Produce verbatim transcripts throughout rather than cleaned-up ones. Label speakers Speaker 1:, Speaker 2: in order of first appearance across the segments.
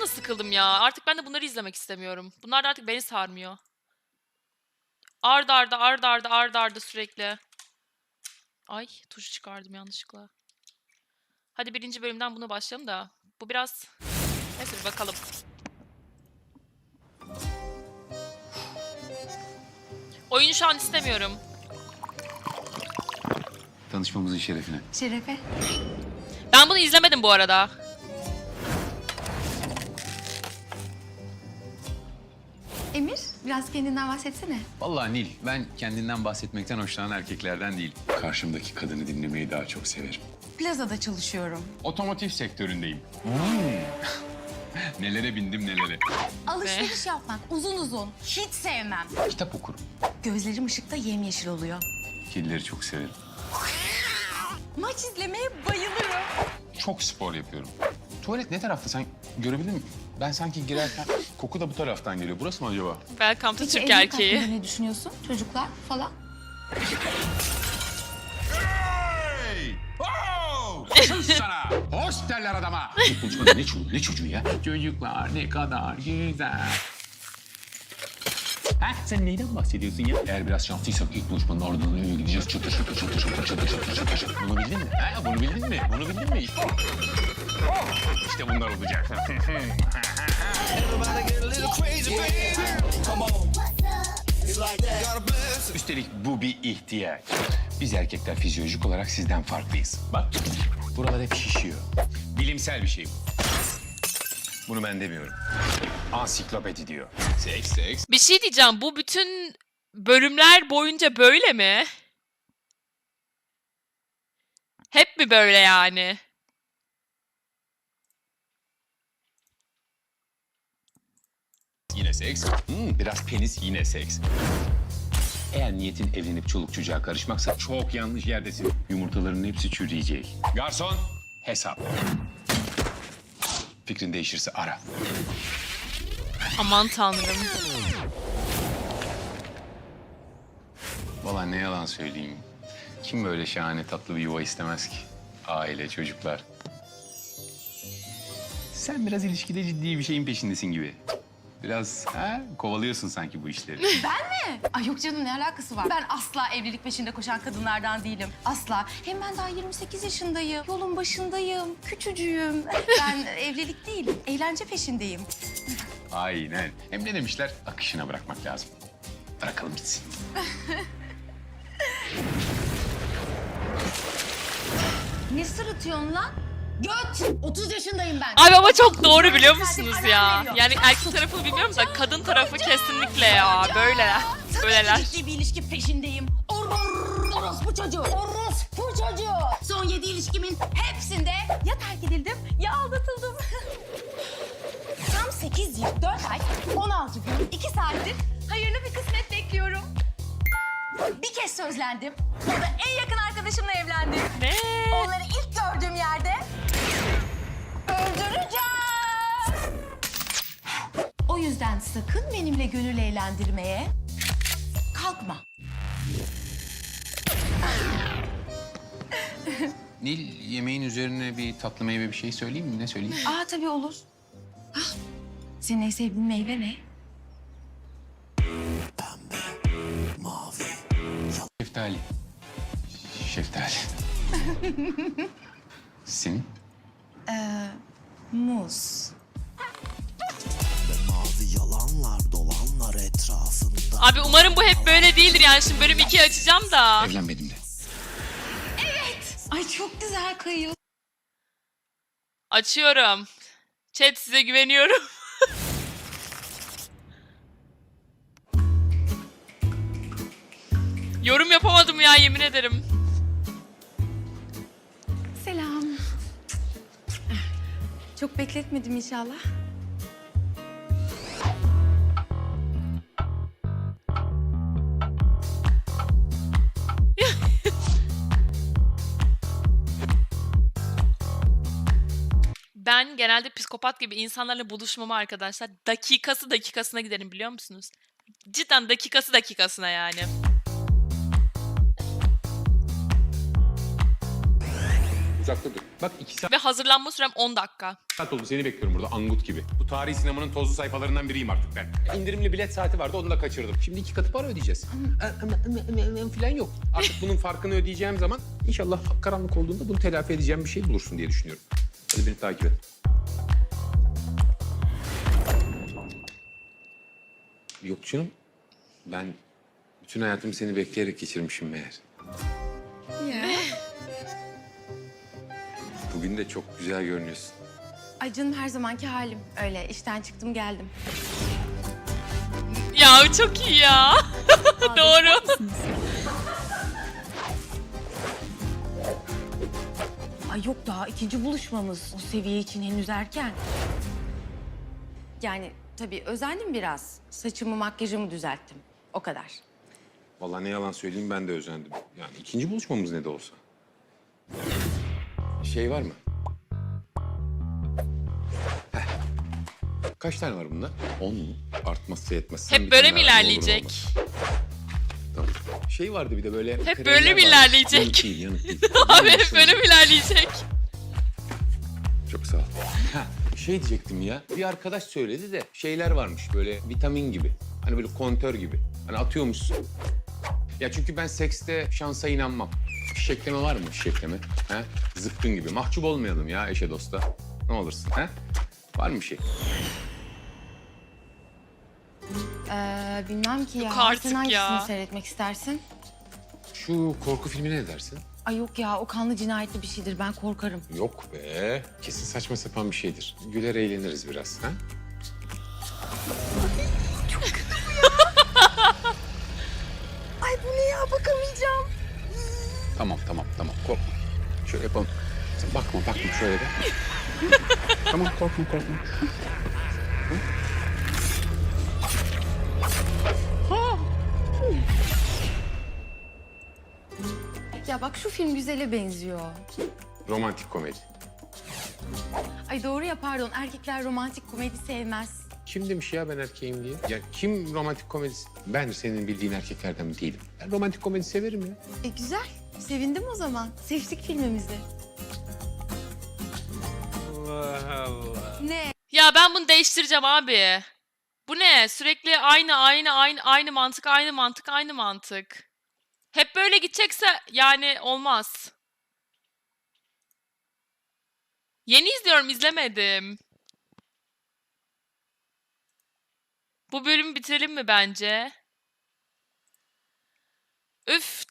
Speaker 1: da sıkıldım ya. Artık ben de bunları izlemek istemiyorum. Bunlar da artık beni sarmıyor. Ard arda ard arda ard arda sürekli. Ay tuşu çıkardım yanlışlıkla. Hadi birinci bölümden buna başlayalım da. Bu biraz... Neyse bir bakalım. Oyunu şu an istemiyorum.
Speaker 2: Tanışmamızın şerefine.
Speaker 3: Şerefe.
Speaker 1: Ben bunu izlemedim bu arada.
Speaker 3: Emir, biraz kendinden bahsetsene.
Speaker 2: Vallahi Nil, ben kendinden bahsetmekten hoşlanan erkeklerden değil. Karşımdaki kadını dinlemeyi daha çok severim.
Speaker 3: Plazada çalışıyorum.
Speaker 2: Otomotiv sektöründeyim. Nelere bindim nelere.
Speaker 3: Alışveriş yapmak uzun uzun. Hiç sevmem.
Speaker 2: Kitap okurum.
Speaker 3: Gözlerim ışıkta yemyeşil oluyor.
Speaker 2: Kedileri çok severim.
Speaker 3: Maç izlemeye bayılırım.
Speaker 2: Çok spor yapıyorum. Tuvalet ne tarafta sen görebildin mi? Ben sanki girerken koku da bu taraftan geliyor. Burası mı acaba?
Speaker 1: Welcome to
Speaker 3: Peki
Speaker 1: Türk
Speaker 3: evlilik
Speaker 1: erkeği.
Speaker 3: hakkında ne düşünüyorsun? Çocuklar falan.
Speaker 2: Hey! Oh! Sus sana! Hoş derler adama! Konuşmada ne çocuğu, ne çocuğu ya? Çocuklar ne kadar güzel. Ha, sen neyden bahsediyorsun ya? Eğer biraz şanslıysak ilk buluşmanın ardından eve gideceğiz. Çatır çatır çatır çatır çatır çatır çatır çatır. Bunu bildin mi? Ha, bunu bildin mi? Bunu bildin mi? İşte, oh! İşte bunlar olacak. Üstelik bu bir ihtiyaç. Biz erkekler fizyolojik olarak sizden farklıyız. Bak, buralar hep şişiyor. Bilimsel bir şey bu. Bunu ben demiyorum. Ansiklopedi diyor. Seks, seks.
Speaker 1: Bir şey diyeceğim. Bu bütün bölümler boyunca böyle mi? Hep mi böyle yani?
Speaker 2: Yine seks. Hmm, biraz penis yine seks. Eğer niyetin evlenip çoluk çocuğa karışmaksa çok yanlış yerdesin. Yumurtaların hepsi çürüyecek. Garson, hesap. Fikrin değişirse ara.
Speaker 1: Aman tanrım.
Speaker 2: Vallahi ne yalan söyleyeyim. Kim böyle şahane tatlı bir yuva istemez ki? Aile, çocuklar. Sen biraz ilişkide ciddi bir şeyin peşindesin gibi. Biraz ha, kovalıyorsun sanki bu işleri.
Speaker 3: Ben mi? Ay yok canım, ne alakası var? Ben asla evlilik peşinde koşan kadınlardan değilim. Asla. Hem ben daha yirmi sekiz yaşındayım. Yolun başındayım. Küçücüğüm. Ben evlilik değil, eğlence peşindeyim.
Speaker 2: Aynen. Hem ne demişler? Akışına bırakmak lazım. Bırakalım gitsin.
Speaker 3: Ne sırıtıyorsun lan? Göt! otuz yaşındayım ben.
Speaker 1: Abi ama çok doğru biliyor musunuz
Speaker 3: Zaten
Speaker 1: ya?
Speaker 3: alarm veriyor.
Speaker 1: Yani erkek tarafını bilmiyorum da kadın tarafı kesinlikle ya. Böyleler. Böyleler.
Speaker 3: Tabii ki ciddi bir ilişki peşindeyim. Or- orospu çocuğu. Orospu çocuğu. Son yedi ilişkimin hepsinde ya terk edildim ya aldatıldım. Tam sekiz yıl, dört ay, on altı gün, iki saattir hayırlı bir kısmet bekliyorum. Bir kez sözlendim. O da en yakın arkadaşımla evlendim.
Speaker 1: Ne?
Speaker 3: Onları ilk gördüğüm yerde öldüreceğim. O yüzden sakın benimle gönül eğlendirmeye kalkma.
Speaker 2: Nil, yemeğin üzerine bir tatlı meyve bir şey söyleyeyim mi? Ne söyleyeyim?
Speaker 3: Aa tabii olur. Hah, senin en sevdiğin meyve ne?
Speaker 2: Şeftali. Şeftali. Senin?
Speaker 3: Ee, muz.
Speaker 4: Mavi yalanlar dolanlar etrafında.
Speaker 1: Abi umarım bu hep böyle değildir yani. Şimdi bölüm ikiyi açacağım da.
Speaker 2: Evlenmedim de.
Speaker 3: Ay çok güzel kayıyor.
Speaker 1: Açıyorum. Chat size güveniyorum. Yorum yapamadım ya yemin ederim.
Speaker 3: Selam. Çok bekletmedim inşallah.
Speaker 1: Ben genelde psikopat gibi insanlarla buluşmama arkadaşlar dakikası dakikasına giderim biliyor musunuz? Cidden dakikası dakikasına yani.
Speaker 2: Uzakta dur. Bak iki saat
Speaker 1: Ve hazırlanma sürem on dakika.
Speaker 2: oldu seni bekliyorum burada angut gibi. Bu tarihi sinemanın tozlu sayfalarından biriyim artık ben. İndirimli bilet saati vardı onu da kaçırdım. Şimdi iki katı para ödeyeceğiz. Falan yok. Artık bunun farkını ödeyeceğim zaman inşallah karanlık olduğunda bunu telafi edeceğim bir şey bulursun diye düşünüyorum. Hadi beni takip et. Yok canım. Ben bütün hayatımı seni bekleyerek geçirmişim meğer.
Speaker 3: Ya.
Speaker 2: Bugün de çok güzel görünüyorsun.
Speaker 3: Ay canım her zamanki halim. Öyle işten çıktım geldim.
Speaker 1: Ya çok iyi ya. Doğru.
Speaker 3: Ay yok daha ikinci buluşmamız. O seviye için henüz erken. Yani tabii özendim biraz. Saçımı makyajımı düzelttim. O kadar.
Speaker 2: Vallahi ne yalan söyleyeyim ben de özendim. Yani ikinci buluşmamız ne de olsa. Şey var mı? Heh. Kaç tane var bunda? On mu? Artmazsa yetmez. Sen bir
Speaker 1: Hep böyle
Speaker 2: tane
Speaker 1: mi
Speaker 2: daha ver, ne olur ne
Speaker 1: ilerleyecek?
Speaker 2: olmaz. Tamam. Şey vardı bir de böyle...
Speaker 1: Hep
Speaker 2: kremler
Speaker 1: böyle mi
Speaker 2: vardı.
Speaker 1: ilerleyecek?
Speaker 2: Yanık değil, yanık değil.
Speaker 1: Abi hep böyle mi ilerleyecek?
Speaker 2: Çok sağ ol. Ha, şey diyecektim ya. Bir arkadaş söyledi de şeyler varmış böyle vitamin gibi. Hani böyle kontör gibi. Hani atıyormuşsun. Ya çünkü ben sekste şansa inanmam. Fişekleme var mı fişekleme? Ha? Zıpkın gibi. Mahcup olmayalım ya eşe dosta. Ne olursun ha? Var mı bir şey?
Speaker 3: Ee, bilmem ki ya.
Speaker 1: Yok artık
Speaker 3: Sen hangisini
Speaker 1: ya.
Speaker 3: seyretmek istersin?
Speaker 2: Şu korku filmine ne dersin?
Speaker 3: Ay yok ya o kanlı cinayetli bir şeydir. Ben korkarım.
Speaker 2: Yok be. Kesin saçma sapan bir şeydir. Güler eğleniriz biraz ha?
Speaker 3: Ay bu ne ya bakamayacağım.
Speaker 2: Tamam tamam tamam korkma. Şöyle yapalım. Sen bakma bakma şöyle de. Tamam korkma korkma.
Speaker 3: Ya bak şu film güzele benziyor.
Speaker 2: Romantik komedi.
Speaker 3: Ay doğru ya pardon erkekler romantik komedi sevmez.
Speaker 2: Kim demiş ya ben erkeğim diye? Ya kim romantik komedi... Ben senin bildiğin erkeklerden değilim. Ben romantik komedi severim ya.
Speaker 3: E güzel. Sevindim o zaman. Seçtik filmimizi.
Speaker 2: Allah Allah.
Speaker 3: Ne?
Speaker 1: Ya ben bunu değiştireceğim abi. Bu ne? Sürekli aynı aynı aynı aynı mantık aynı mantık aynı mantık. Hep böyle gidecekse yani olmaz. Yeni izliyorum, izlemedim. Bu bölümü bitirelim mi bence? Üf.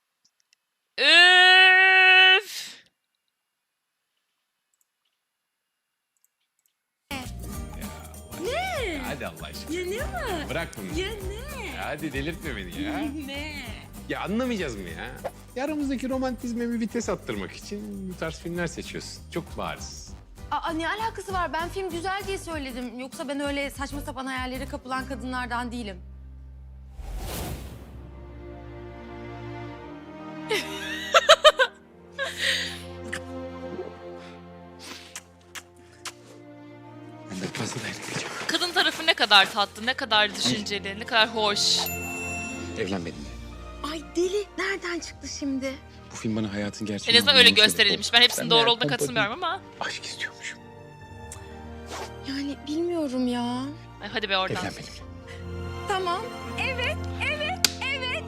Speaker 1: Üf.
Speaker 2: Hadi Allah aşkına.
Speaker 3: Ya ne var?
Speaker 2: Bırak bunu.
Speaker 3: Ya ne?
Speaker 2: Hadi delirtme beni ya.
Speaker 3: Ne?
Speaker 2: Ya anlamayacağız mı ya? Ya aramızdaki romantizme bir vites attırmak için bu tarz filmler seçiyorsun. Çok bariz.
Speaker 3: Aa ne alakası var? Ben film güzel diye söyledim. Yoksa ben öyle saçma sapan hayallere kapılan kadınlardan değilim.
Speaker 2: Ben de fazla dayanacağım.
Speaker 1: Kadın tarafı ne kadar tatlı, ne kadar düşünceli, ne kadar hoş.
Speaker 2: Evlen benimle.
Speaker 3: Ay deli. Nereden çıktı şimdi?
Speaker 2: Bu film bana hayatın
Speaker 1: En
Speaker 2: gerçeğini
Speaker 1: azından öyle
Speaker 2: anlamama sebep
Speaker 1: gösterilmiş.
Speaker 2: oldu.
Speaker 1: Ben hepsinin
Speaker 2: Ben
Speaker 1: doğru
Speaker 2: meğer
Speaker 1: olduğuna
Speaker 2: pompa
Speaker 1: katılmıyorum ama.
Speaker 2: değil, aşk istiyormuşum.
Speaker 3: Yani bilmiyorum ya.
Speaker 1: Ay, hadi be oradan.
Speaker 2: Evlen benimle.
Speaker 3: Tamam. Evet, evet, evet.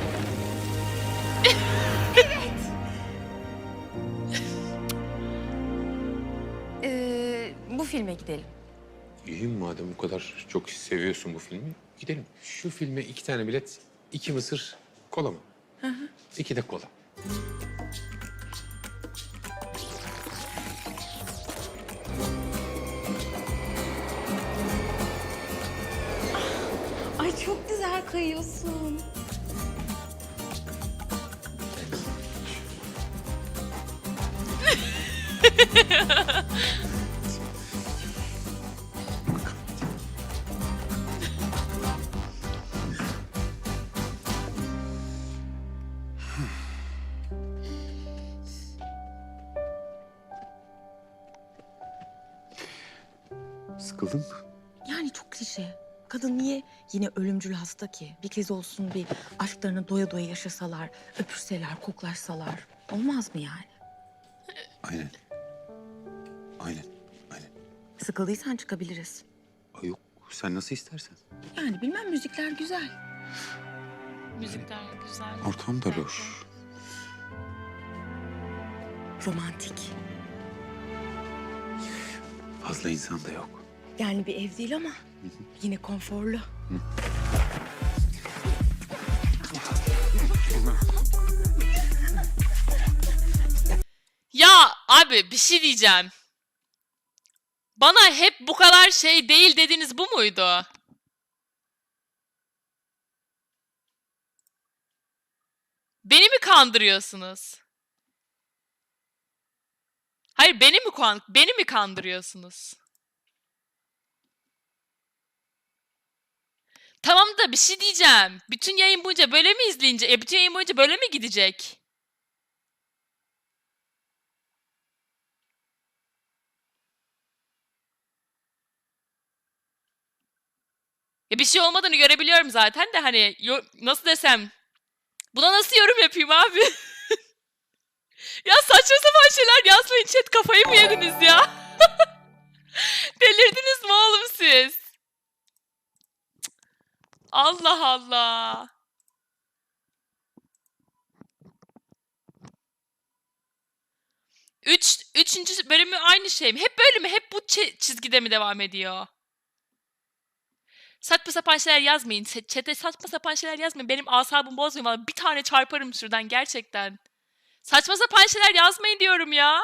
Speaker 3: evet. Ee, bu filme gidelim.
Speaker 2: İyi madem bu kadar çok seviyorsun bu filmi gidelim. Şu filme iki tane bilet, iki mısır, kola mı? Hı hı. İki de kola.
Speaker 3: Ay çok güzel kayıyorsun.
Speaker 2: Sıkıldın mı?
Speaker 3: Yani çok klişe. Kadın niye yine ölümcül hasta ki? Bir kez olsun bir aşklarını doya doya yaşasalar, öpürseler, koklaşsalar. Olmaz mı yani?
Speaker 2: Aynen. Aynen. Aynen.
Speaker 3: Sıkıldıysan çıkabiliriz.
Speaker 2: Ay yok, sen nasıl istersen.
Speaker 3: Yani bilmem, müzikler güzel.
Speaker 1: Müzikler güzel.
Speaker 2: Ortam da loş.
Speaker 3: Romantik.
Speaker 2: Fazla insan da yok.
Speaker 3: Yani bir ev değil ama yine konforlu.
Speaker 1: Ya abi bir şey diyeceğim. Bana hep bu kadar şey değil dediniz, bu muydu? Beni mi kandırıyorsunuz? Hayır, beni mi kan beni mi kandırıyorsunuz? Tamam da bir şey diyeceğim. Bütün yayın boyunca böyle mi izleyince? E bütün yayın boyunca böyle mi gidecek? Ya bir şey olmadığını görebiliyorum zaten de hani yo- nasıl desem, buna nasıl yorum yapayım abi? Ya saçma sapan şeyler yazmayın chat, kafayı mı yediniz ya? Delirdiniz mi oğlum siz? Cık. Allah Allah. Üç, üçüncü bölümü aynı şey mi? Hep böyle mi? Hep bu çi- çizgide mi devam ediyor? Saçma sapan şeyler yazmayın. Ç- Chat'e saçma sapan şeyler yazmayın. Benim asabımı bozmayın. Vallahi bir tane çarparım şuradan gerçekten. Saçma sapan şeyler yazmayın diyorum ya.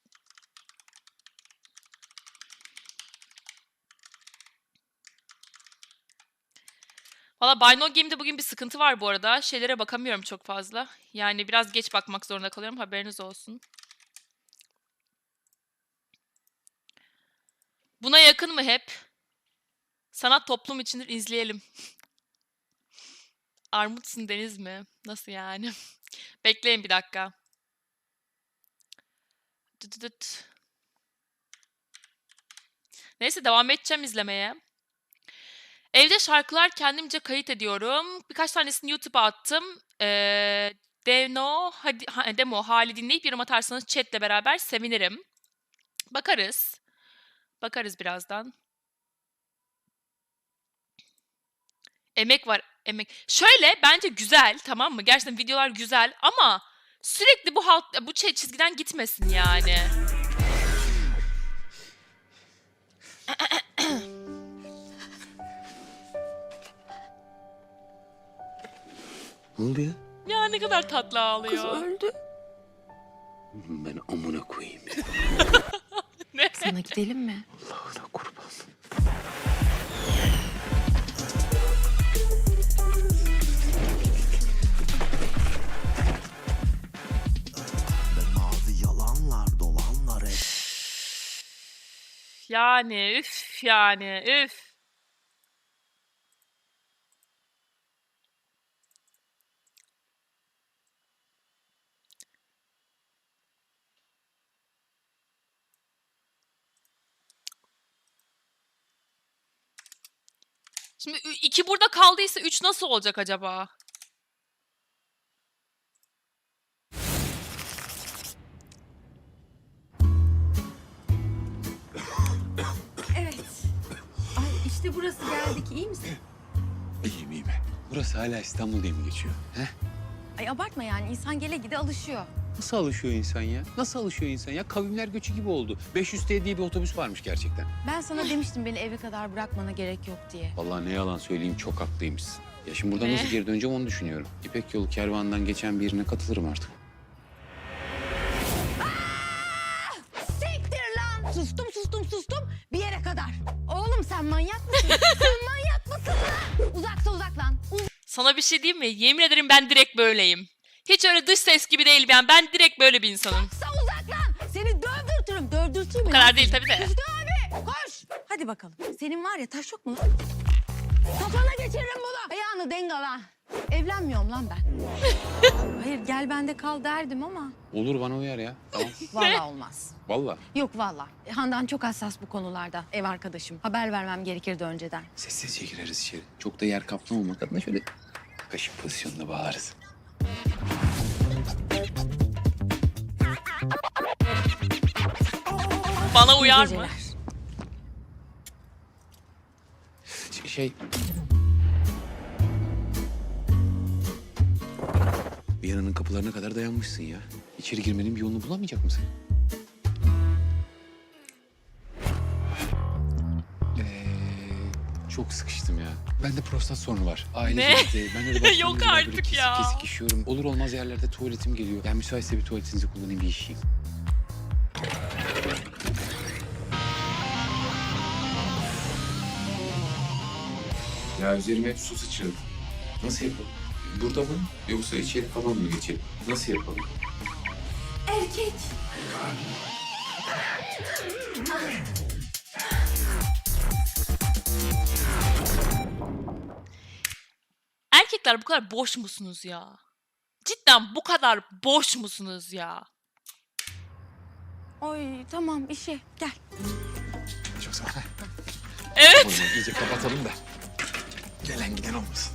Speaker 1: Valla Buy No Game'de bugün bir sıkıntı var bu arada. Şeylere bakamıyorum çok fazla. Yani biraz geç bakmak zorunda kalıyorum. Haberiniz olsun. Buna yakın mı hep? Sanat toplum içindir, izleyelim. Armutsun Deniz mi? Nasıl yani? Bekleyin bir dakika. Dıt dıt dıt. Neyse devam edeceğim izlemeye. Evde şarkılar kendimce kayıt ediyorum. Birkaç tanesini YouTube'a attım. Ee, Demo, hadi, ha, demo hali dinleyip yorum atarsanız chatle beraber sevinirim. Bakarız. Bakarız birazdan. Emek var, emek. Şöyle bence güzel, tamam mı? Gerçekten videolar güzel ama sürekli bu halk bu çe- çizgiden gitmesin yani.
Speaker 2: Ne oldu ya?
Speaker 1: Ya ne kadar tatlı ağlıyor.
Speaker 3: öldü.
Speaker 2: Ben amına koyayım ya.
Speaker 1: Ne?
Speaker 3: Sana gidelim mi?
Speaker 2: Allah'ına kurban.
Speaker 4: Ve mavi yalanlar dolanlar et.
Speaker 1: Yani üf yani üf. Şimdi ü- iki burada kaldıysa üç nasıl olacak acaba?
Speaker 3: Evet. Ay işte burası, geldik. İyi misin?
Speaker 2: İyiyim iyiyim. Burası hala İstanbul diye mi geçiyor? He?
Speaker 3: Ay abartma yani. İnsan gele gide alışıyor.
Speaker 2: Nasıl alışıyor insan ya? Nasıl alışıyor insan ya? Kavimler göçü gibi oldu. beş yüz T diye bir otobüs varmış gerçekten.
Speaker 3: Ben sana demiştim beni eve kadar bırakmana gerek yok diye.
Speaker 2: Vallahi ne yalan söyleyeyim, çok haklıymışsın. Ya şimdi buradan
Speaker 1: Ne?
Speaker 2: nasıl geri döneceğim onu düşünüyorum. İpek Yolu kervanından geçen birine katılırım artık.
Speaker 3: Siktir lan! Sustum sustum sustum bir yere kadar. Oğlum sen manyak mısın? Sen manyak mısın lan? Uzaksa uzak lan.
Speaker 1: Sana bir şey diyeyim mi? Yemin ederim ben direkt böyleyim. Hiç öyle dış ses gibi değil ben. Ben direkt böyle bir insanım.
Speaker 3: Uzaksa uzak lan. Seni dövdürtürüm. Dövdürteyim mi?
Speaker 1: Bu kadar değil tabii de.
Speaker 3: Hüsnü abi koş. Hadi bakalım. Senin var ya taş yok mu lan? Kafana geçiririm bunu. Ayağını dengala. Evlenmiyorum lan ben. Hayır gel bende kal derdim ama.
Speaker 2: Olur, bana uyar ya. Tamam.
Speaker 3: Vallahi olmaz.
Speaker 2: Vallahi.
Speaker 3: Yok vallahi. Handan çok hassas bu konularda. Ev arkadaşım. Haber vermem gerekirdi önceden.
Speaker 2: Sessizce gireriz içeri. Çok da yer kaplamamak adına şöyle kaşık pozisyonuna bağlarız.
Speaker 1: Bana
Speaker 3: İyi
Speaker 1: uyar mı?
Speaker 3: geceler.
Speaker 2: Ş- Şey... Viyana'nın kapılarına kadar dayanmışsın ya. İçeri girmenin bir yolunu bulamayacak mısın? Ee, çok sıkıştım ya. Bende prostat sorunu var. Aile
Speaker 1: Ne?
Speaker 2: genetiği. Ben öyle başlarım
Speaker 1: Yok
Speaker 2: yüzünden böyle
Speaker 1: artık
Speaker 2: kesik
Speaker 1: ya.
Speaker 2: kesik işiyorum. Olur olmaz yerlerde tuvaletim geliyor. Yani müsaitse bir tuvaletinizi kullanayım, bir işeyim. Ya üzerime hep su sıçradı. Nasıl yapalım? Burada mı? Yoksa içeri falan mı geçelim? Nasıl yapalım?
Speaker 3: Erkek.
Speaker 1: Erkekler bu kadar boş musunuz ya? Cidden bu kadar boş musunuz ya?
Speaker 3: Oy tamam işe gel.
Speaker 2: Çok sağ ol.
Speaker 1: Evet.
Speaker 2: O zaman iyice kapatalım da gelen giden olmasın.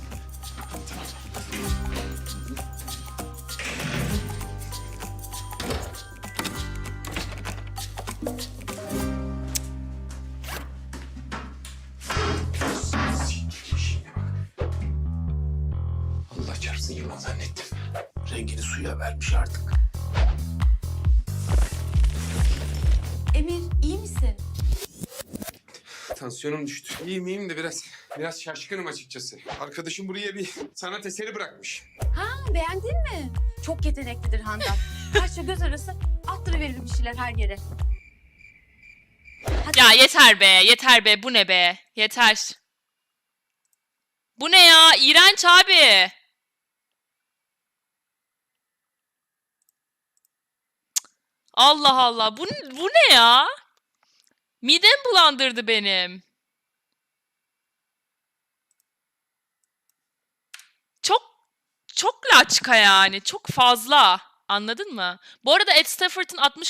Speaker 2: Allah çarpsın, yılan zannettim. Rengini suya vermiş artık.
Speaker 3: Emir iyi misin?
Speaker 2: Tansiyonum düştü. İyiyim iyiyim de biraz biraz şaşkınım açıkçası. Arkadaşım buraya bir sanat eseri bırakmış.
Speaker 3: Ha, beğendin mi? Çok yeteneklidir Handan. Kaşla göz arası attırıverir bir şeyler her yere. Hadi.
Speaker 1: Ya yeter be, yeter be. Bu ne be? Yeter. Bu ne ya? İğrenç abi. Allah Allah. Bu, bu ne ya? Midem bulandırdı benim. Çok çok laçka yani. Çok fazla. Anladın mı? Bu arada Ed Stafford'ın altmış